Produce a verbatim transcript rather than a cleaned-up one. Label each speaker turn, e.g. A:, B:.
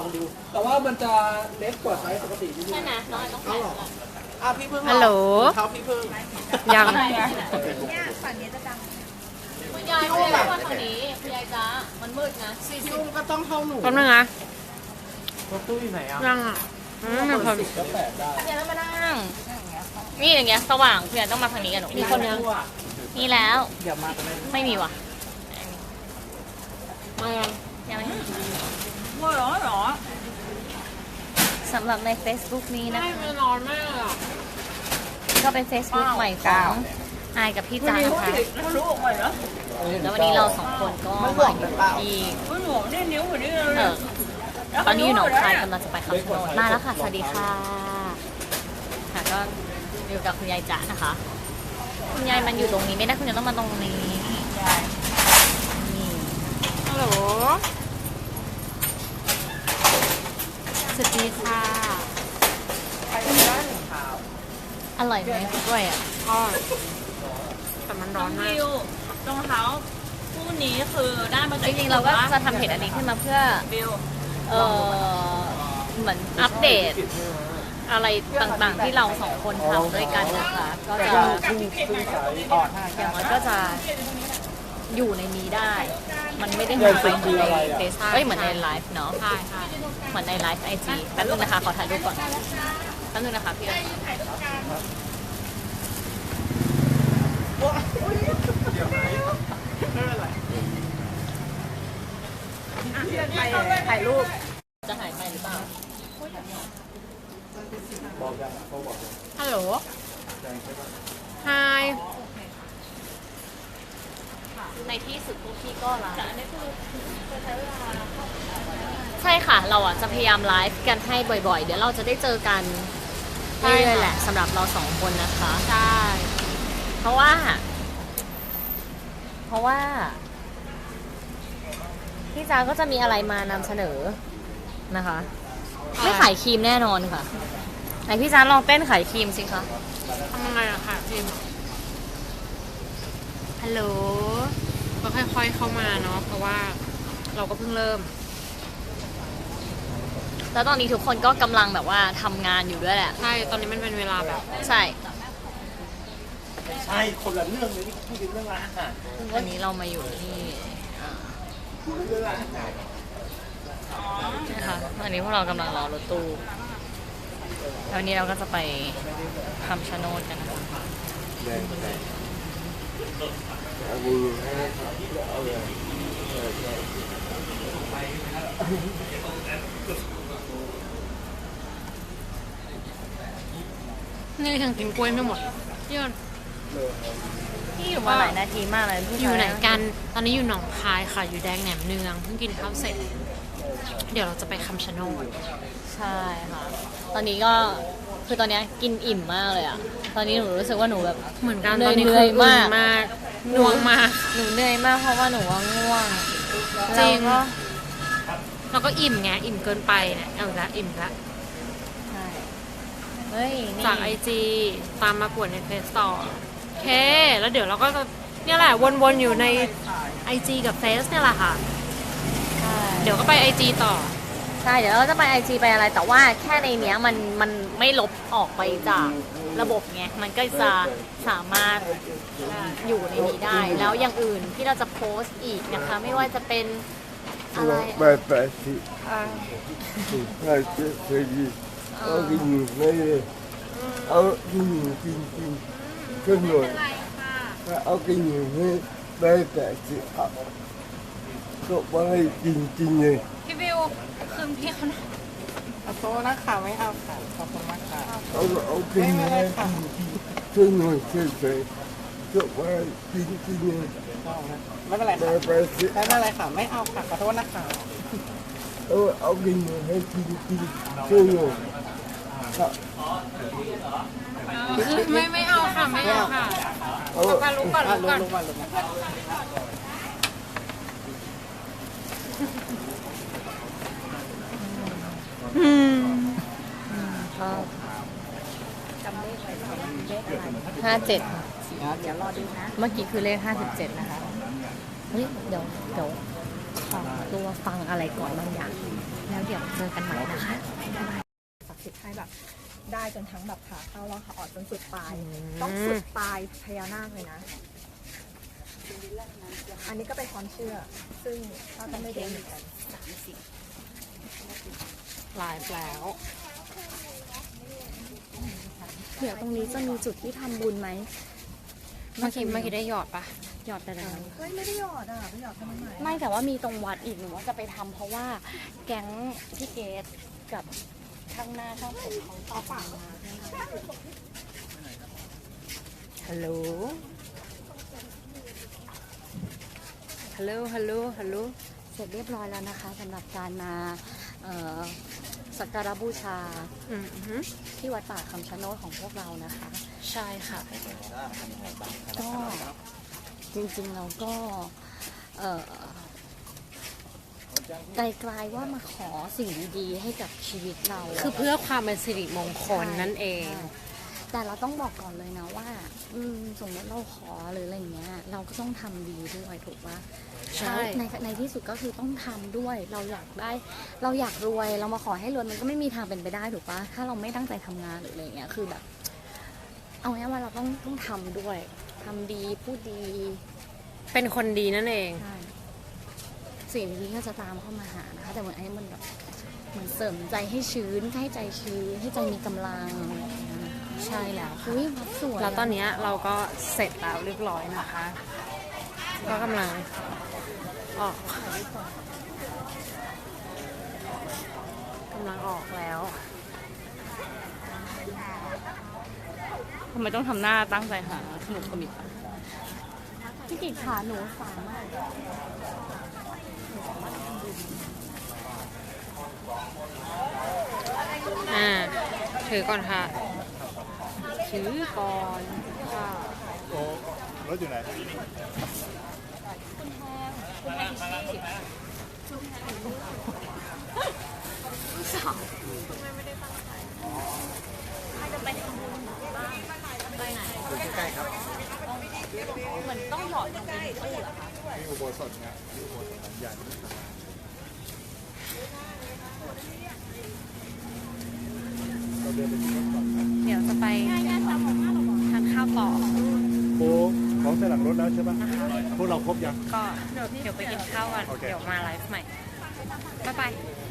A: องดูแต่ว่ามันจะเล็กกว่าไซส์ปกตินิดนึง
B: ใช่ไหมน้องต้อง
A: เอาหรออ่ะพี่พึ่ง
C: ฮัลโหล
A: เท้าพี่พึ่ง
C: ยัง
B: คุณยายคุณยายไม่ได้มาทางนี้คุณยายจ้ามันมืดนะ
A: ซีคิวก็ต้องเข้าหนู
C: แป๊บนึงนะ
A: รถตู้อยู่ไหนอ่ะ
C: ยังอ่ะไม่มีคน
A: สิบก็แปดได้
B: คุณยายต้องมานั่งนี่อย่างเงี้ยสว่างคุณยายต้องมาทางนี้กันหนูมีคนยังมีแล้ว
A: เดี๋ยวมากันเลย
B: ไม่มีว่ะ
C: มายัง
B: ยังไม่
C: ว่าหรอหรอ
B: สำหรับใน Facebook นี้นะ
C: ไม่
B: คะ
C: ไปนอนแม่อ่ะ
B: ก็เป็น Facebook ใหม่ของอายกับพี่จ้านะคะ
C: รู้ออกมาเหรอ
B: แล้ววันนี้เราสองคนก็มาอยู่ที่
C: ไม่หนูนี่นิ้วหัวนี่เลย
B: เออตอนนี้อยู่หนองคายกำลังจะไปคำชะโนดมาแล้วค่ะสวัสดีค่ะค่ะก็อยู่กับคุณยายจ๋านะคะ คุณยายมันอยู่ตรงนี้ไม่ได้คุณยายต้องมาตรงนี้นี่
C: ฮัลโหลสวัสดีค่ะ
B: อร่อยไหมกล้วยอ่ะ
C: ก็แต่มันร้อนมาก
D: วิวรองเท้าคู่นี้คือได้มา
B: จ
D: จาก
B: ริงๆเราก็จะทำเพจอันนี้ขึ้นมาเพื่อ
D: วิว
B: เออเหมือนอัปเดตอะไรต่างๆที่เราสองคนทำด้วยกันนะคะ ก็จะ
A: พึ่งพึ่งสายอ่อนห้า
B: อย่างน้อยก็จะอยู่ในนี้ได้ มันไม่ได้หายไปเหมือนในเฟซเอ้ยเหมือนในไลฟ์เนาะ
C: ใช่ใช่
B: เหมือนในไลฟ์ไอจีแป๊บนึงนะคะ ขอถ่ายรูปก่อนแป๊บนึงนะคะพี่เอ๋ย
C: ถ่ายรูป
B: จะหายไปหรือเปล่า
A: บอกยังเขาบอกยัง
C: ฮัลโหลไฮ
B: ในที่สุดพวกพี่ก็ไลฟ์ใช่ค่ะ เราอ่ะจะพยายามไลฟ์กันให้บ่อยๆ เดี๋ยวเราจะได้เจอกันเรื่อยๆแหละสำหรับเราสองคนนะคะ
C: ใช่
B: เพราะว่า เพราะว่า พี่จ้าก็จะมีอะไรมานำเสนอนะคะ ไม่ขายครีมแน่นอนค่ะไหนพี่จ้าลองเต้นขายครีมสิคะ
C: ทำยังไงอะค่ะจิมฮัลโหลก็ค่อยๆเข้ามาเนาะเพราะว่าเราก็เพิ่งเริ่ม
B: แล้วตอนนี้ทุกคนก็กำลังแบบว่าทำงานอยู่ด้วยแหละ
C: ใช่ตอนนี้มันเป็นเวลาแบบ
B: ใช่
A: ใช่คนละเรื่องเลยนี่พูดถึงเรื่องร้านอาหาร
B: วันนี้เรามาอยู่ที่อ่า
A: พูดถึงเรื่องร้านอาหาร
B: นะคะอันนี้พวกเรากำลังรอรถตู้แล้ววันนี้เราก็จะไปคำชะโนดกันนะคะ
A: แดงแดงเอามือให้เอาเลยเออใช่
C: นี่ยังกินกล้วยไม่หมดพี่ยน
B: ที่อยู่มาหลายนาทีมากเลยผู้ชา
C: อยู่ไหนกันตอนนี้อยู่หนองคายค่ะอยู่แดงแหนมเนืองเพิ่งกินข้าวเสร็จ เดี๋ยวเราจะไปคำชะโนด
B: ใช่ค่ะ ตอนนี้ก็คือตอนนี้กินอิ่มมากเลยอ่ะ ตอนนี้หนูรู้สึกว่าหนูแบบ
C: เหมือนกัน
B: เหนื่
C: ต
B: อ
C: อย นนี้
B: เหนื่
C: คือ
B: อย
C: มาม
B: าก
C: มากง่วงมาก
B: หนูเหนื่อยมากเพราะว่าหนูว่าง่วง
C: จริง
B: แล้วก็
C: แล้วก็อิ่มไงอิ่มเกินไปเนี่ยเอาอีกละอิ่มละ
B: ใช่เฮ้ยนี่
C: จากไอจีตามมากวดในเฟซต่อโอเค แล้วเดี๋ยวเราก็จะเนี่ยแหละวนๆอยู่ในไอจีกับเฟซเนี่ยแหละค่ะ
B: ใช่
C: เดี๋ยวก็ไปไอจีต่อ
B: ใช่เดี๋ยวเราจะไปไอจีไปอะไร แต่ว่าแค่ในเนี้ยมันมันไม่ลบออกไปจากระบบไงมันก็จะสามารถอยู่ในนี้ได้ แล้วอย่างอื่นที่เราจะโพสต์อีกนะคะ ไม่ว่าจะเป็นอะไร
E: ไปไปสิไปเจ็บไปดีเอากินอยู่ไม่เลยเอากินอยู่จริงจริงขึ้นหน่อยเอากินอยู่ไม่ไปไปสิเอาก็ไปจริงจริงเลย
C: พี่วิวคืนพี่เขา
A: ขอโทษนะคะไม่เอาค่ะขอบคุณมากค่ะ
E: เอาเอากินอยู่ไม่จริงจริงขึ้นหน่อยขึ้นไปก็ไปจริงจริงเลย
A: ไม่เป็นไร
E: ไป
A: ค่ะ
E: ไปสิ
A: ไม่เป็นไรค่ะไม่เอาค่ะขอโทษนะคะ
E: เอาเอากินอยู่ให้จริงจริงขึ้นหน่อย
C: ไม่ไม่เอาค่ะไม่เอาค่ะ
E: เอา
C: มาลุกก่อน
A: อ่ะ
C: ลุก
A: ล
C: ก่อง น
A: ลงมาลงมา
C: อืม
B: ก็ห้าเจ็ด
A: เดี๋ยวรอดูนะ
B: เมื่อกี้คือเลขห้าสิบเจ็ดนะคะ เฮ้ย เดี๋ยว เดี๋ยวขอตัวฟังอะไรก่อนบางอย่างแล้วเดี๋ยวเจอกันใหม่นะคะ
F: ศักดิ์สิทธิ์ให้แบบได้จนทั้งแบบขาเข้าแล้วขาออกจนสุดปลาย ต้องสุดปลายพญานาคเลยนะ อันนี้ก็เป็นความเชื่อ ซึ่งเราก็ไม่รู้เหมือนกัน
C: ไลฟ์แล้ว
B: เดี๋ยวตรงนี้จะมีจุดที่ทำบุญไหม
C: เมื่อกี้เมื่อกี้ได้หยอดปะ
B: หยอดไปแล้ว
F: เฮ้ยไม่ได้หยอดอ่ะไม่หยอดทำไม
B: ไม่แต่ว่ามีตรงวัดอีกหนูว่าจะไปทำเพราะว่าแก๊งพี่เกดกับข้างหน้าช่างผมของต่อฝั่งมาฮัลโหล ฮัลโหล ฮัลโหล ฮัลโหล เสร็จเรียบร้อยแล้วนะคะสำหรับการมาเอ่อสักการะบูชา
C: อืมฮึ
B: ที่วัดป่าคำชะโนดของพวกเรานะคะ
C: ใช่ค่ะ
B: ก็จริงๆเราก็เอ่อไกลๆว่ามาขอสิ่งดีๆให้กับชีวิตเรา
C: คือเพื่อความเป็นสิริมงคลนั่นเอง
B: แต่เราต้องบอกก่อนเลยนะว่า อืมสมมติเราขอหรืออะไรเงี้ย เราก็ต้องทำดีด้วยถูกปะ
C: ใช่
B: แล้วในในที่สุดก็คือต้องทำด้วย เราอยากได้ เราอยากรวย เรามาขอให้รวยมันก็ไม่มีทางเป็นไปได้ถูกปะถ้าเราไม่ตั้งใจทำงานหรืออะไรเงี้ย คือแบบ เอาง่ายๆว่าเราต้องต้องทำด้วยทำดีพูดดี
C: เป็นคนดีนั่นเอง
B: ใช่สิ่งนี้ก็จะตามเข้ามาหานะคะ แต่เหมือนไอ้มันแบบเหมือนเสริมใจให้ชื้นให้ใจชื้นให้ใจมีกำลังอะไรอย่างเงี้ย
C: ใช่แล้ว
B: อุ้ยวัดสวยะ
C: แล้วตอนเนี้ยเราก็เสร็จแล้วเรียบร้อยนะคะ ก็กำลังออกกำลังออกแล้ว
D: ทำไมต้องทำหน้าตั้งใจหาขนมขมิบอะ
B: พี่กิจขาหนูสามารถ
C: อ่า ถือก่อนค่ะ ถือก่อนค่ะ
A: โอ้รถอยู่ไหน
B: เหมือนต้องหยอดลงไปในตู้เหรอคะ
A: นี่อุโบสถไงนี่อุโบสถหลังใหญ่ เราเดินไปที่รถก่อนนะ
C: เดี๋ยวจะไปทานข้าวต่อ
A: โอ้ของใส่หลังรถแล้วใช่ปะพวกเราครบยัง
C: ก็เดี๋ยวไปกินข้าวกัน
A: โอเค
C: เดี๋ยวมาไลฟ์ใหม่ บ๊ายบาย